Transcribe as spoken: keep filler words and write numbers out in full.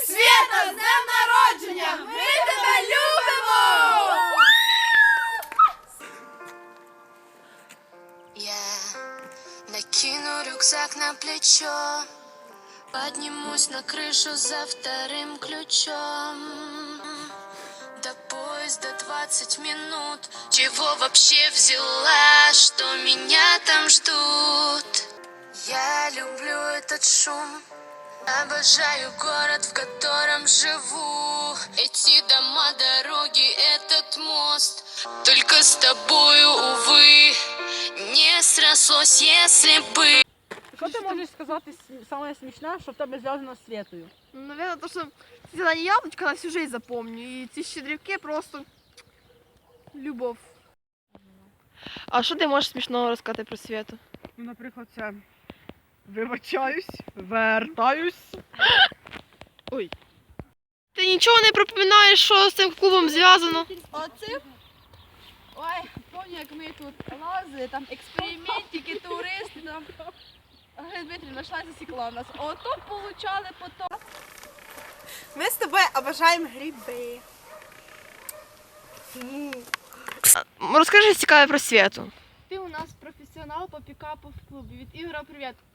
Свята, з днем народження! Ми тебе любимо! Я накину рюкзак на плечо, поднимусь на крышу за вторым ключом. До поезда двадцать минут. Чего вообще взяла, что меня там ждут? Я люблю этот шум, обожаю город, в котором живу. Эти дома, дороги, этот мост. Только с тобою, увы, не срослось, если бы. Що ти можеш сказати саме смішне, що в тебе зв'язано з Світою? Ну, наверное, то, что зелені яблочко на всю жизнь запомню. І ці щедрівки просто любов. А що ти можеш смішного розказати про Світу? Ну, наприклад, це вибачаюсь, вертаюсь. Ой. Ти нічого не припоминаєш, що з цим клубом зв'язано? Оце? Ой, пам'ятаю, як ми тут лазили, там експериментики, туристи, там. Галина Дмитрівна йшла і засікла нас. Ото получали потім. Ми з тобою обожаємо гриби. Розкажи цікаве про Світу. Ти у нас професіонал по пікапу в клубі. Від Ігора привіт.